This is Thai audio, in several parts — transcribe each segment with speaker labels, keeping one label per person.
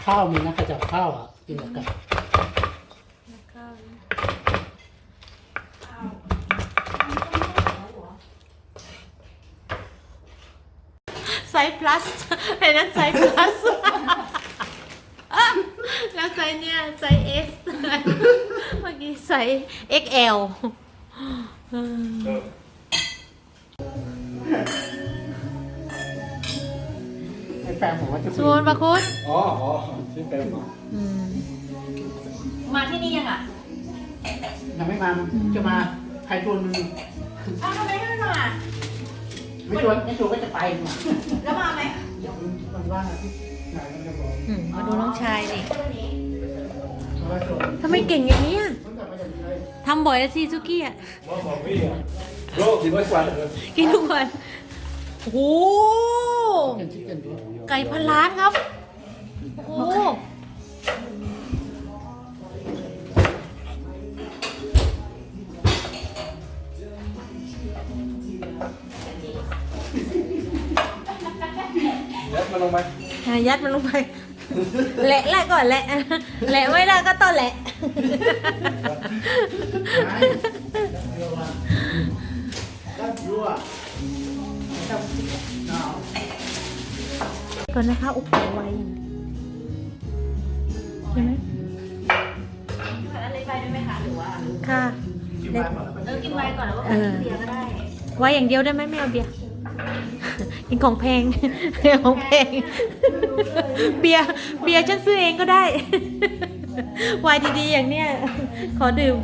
Speaker 1: ข้าวมีนะกระจับข้าวอ่ะกินกับไก่
Speaker 2: ไซส์ plus ไอ้นั้นไซส์ plus แล้วไซส์เนี่ยไซส์ S เมื่อกี้ไซส์ XL
Speaker 1: ไอ้แปลงผมว่าจะ
Speaker 2: ชวนมาคุณ
Speaker 3: อ๋อชื่อแปมเหรอ
Speaker 2: มาที่นี่ยังอ่ะ
Speaker 1: ยังไม่มาจะมาใครชวนมัน
Speaker 2: อ้าวทำไมไม่มา
Speaker 1: ไม่ชวนก็จะไปมา
Speaker 2: แล้วมาไหม
Speaker 1: เดี๋ยวมันว่างอาทิตย์ไหนมันจะบอก
Speaker 2: มาดูน้องชายดิ
Speaker 1: เพราะว่าชวน
Speaker 2: ทำไมเก่งอย่างนี้อะ
Speaker 1: มันกลับมาจากไหน
Speaker 2: ทำบ่อยแล้วสิซุกี้อ่ะ
Speaker 3: ว่าบอกพี่อ่ะโลกกินด้วยกัน
Speaker 2: กินทุกวันโอ้โห
Speaker 1: เป็นชิคเก้นด้วย
Speaker 2: ไก่พันล้านครับ โอ้โห
Speaker 3: ยัดมาลงไป
Speaker 2: ยัดมันลงไป แหละก่อนแหละแหละไม่ได้ก็ต้องแหละ
Speaker 1: ไม่เดี๋ยวว่าด้านยั่วด้านหนาว
Speaker 2: ก่อนนะคะอุปไวใช่ไหม
Speaker 4: ผัดอะไรไปได้ไหมคะหรือว่า
Speaker 2: ค่ะ
Speaker 1: กินไปหมดแล้ว
Speaker 4: กินไวน์ก่อนแล้วก็กินเบียร์ก็ได้
Speaker 2: ไว้อย่างเดียวได้ไหมไม่เอาเบียร์ กินของแพง ของแพง เบียร์ฉันซื้อเองก็ได้ ไวน์ดีๆอย่างเนี้ย ขอดื่ม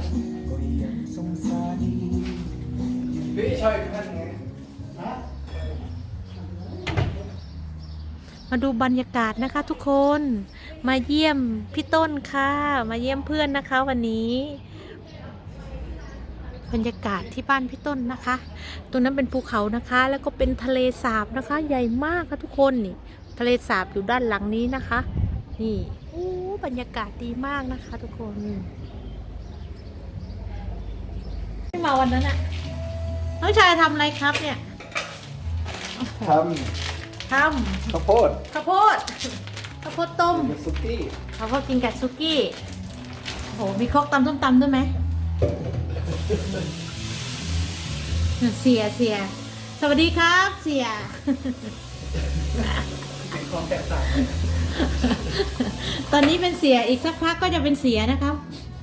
Speaker 3: พี่ช่วยท่านไง
Speaker 2: มาดูบรรยากาศนะคะทุกคน มาเยี่ยมพี่ต้นค่ะ มาเยี่ยมเพื่อนนะคะวันนี้ บรรยากาศที่บ้านพี่ต้นนะคะ ตรงนั้นเป็นภูเขานะคะ แล้วก็เป็นทะเลสาบนะคะ ใหญ่มากค่ะทุกคนนี่ ทะเลสาบอยู่ด้านหลังนี้นะคะ นี่โอ้บรรยากาศดีมากนะคะทุกคนไม่มาวันนั้นอะน้องชายทำอะไรครับเนี่ย
Speaker 3: ท
Speaker 2: ท
Speaker 3: ำข้าวโพด
Speaker 2: ำข้าวโพดข้าวโพดต้ม
Speaker 3: เป็นซุกี้
Speaker 2: เขาก็กินกับซุกี้โหมีครกตำส้มตำด้วยไหมเสียสวัสดีครับเสีย
Speaker 1: เป็นความแตกต่าง
Speaker 2: ตอนนี้เป็นเสียอีกสักพักก็จะเป็นเสียนะครับ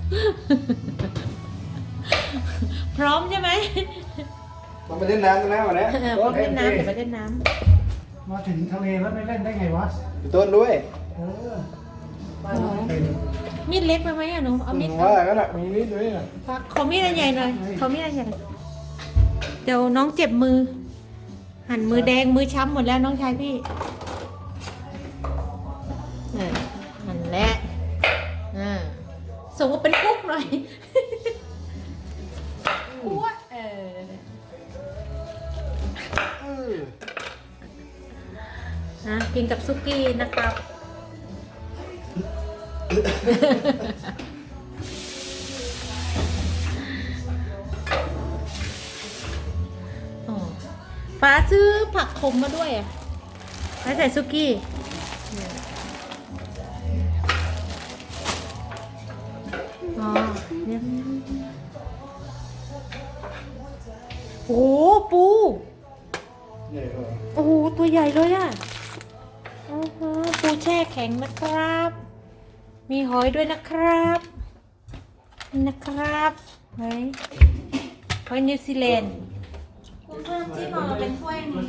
Speaker 2: พร้อมใช่ไหม
Speaker 3: มันไปเล่นน้ำกันนะวันนี้
Speaker 2: พร้อมเล่นน้ำเดี๋ยวไปเล่นน้
Speaker 1: มาถึงทะเลแล้วไม่เล่นได้ไงวะ
Speaker 3: พี่ต้นด้วย
Speaker 1: บ้านเราไม่เป็น
Speaker 2: ำมีดเล็กไปไหมอะหนูเอามีด
Speaker 3: ว่าก็น่ะมีนิดด้วยนะ
Speaker 2: ขอมีดอันใหญ่หน่อยขอมีดอันใหญ่เดี๋ยวน้องเจ็บมือ หั่นมือแดงมือช้ำหมดแล้วน้องชายพี่หั่นแล้วส่งว่าเป็นกุ๊กหน่อยกุ๊กกินกับซุกี้นะครับป้าซื้อผักขมมาด้วยอ่ะไว้ใส่ซุกี้อ๋อเนี่ยโอ้โหปู
Speaker 3: ใหญ่กว่า
Speaker 2: โอ้โหตัวใหญ่เลยอ่ะโอ้โหปูแช่แข็งนะครับ มีหอยด้วยนะครับหอยนิวซีแลนด์
Speaker 4: คุณเพิ่มจิ้มมาเป็นถ้วยนี้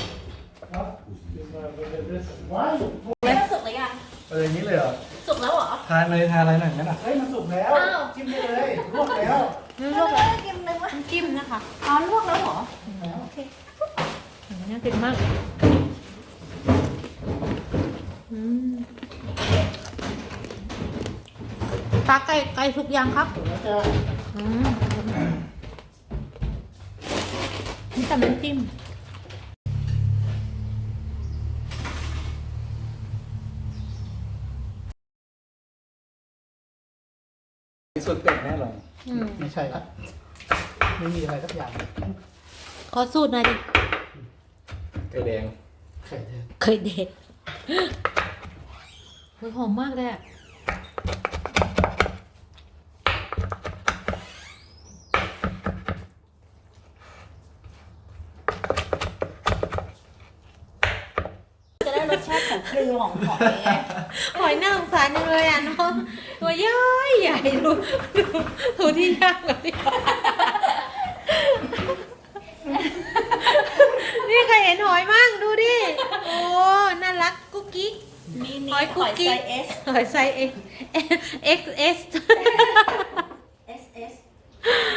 Speaker 1: ว้าย
Speaker 4: ไม่ได้สุกหรือยัง
Speaker 3: อะไรอย่างนี้เลยเหรอ
Speaker 4: สุกแล้วเหรอ
Speaker 3: ทานเลยทานอะไรหน่อยงั้นอ่ะ
Speaker 1: เฮ้ยมันสุกแล้วจิ้มได้เลยลวกแล้ว
Speaker 2: นี่ลวก
Speaker 4: ไม่ได้กินเลยว่า
Speaker 2: น้ำจิ้มนะคะ
Speaker 4: อ๋อลวกแล้วเหรอ
Speaker 2: โอเคน่ากินมากตาไก่สุกยังครับ
Speaker 1: แล้วจะ
Speaker 2: นี่แต่น้ำจิ้ม
Speaker 3: ส่วนเป็ดแน่เลย
Speaker 1: ไม่ใช่ละไม่มีอะไรสักอย่าง
Speaker 2: ขอสูตรหน่อยดิ
Speaker 3: ไก่แดง
Speaker 1: ไข่แดง
Speaker 2: เคยเด็กมันหอมมากเลยอะ
Speaker 4: จะได้รสชาติของเกลือของหอยไง
Speaker 2: หอยน่าสงสารจังเลยอ่ะน้องตัวย้อยใหญ่ดูที่ย่างกับที่นี่ใครเห็นหอยมั่งดูดิ โอ้ น่ารักกุ๊กกิ๊ก
Speaker 4: มี
Speaker 2: หอยกุ๊กกิ๊ก
Speaker 4: ไซส์
Speaker 2: หอยไซส์ XS
Speaker 4: S S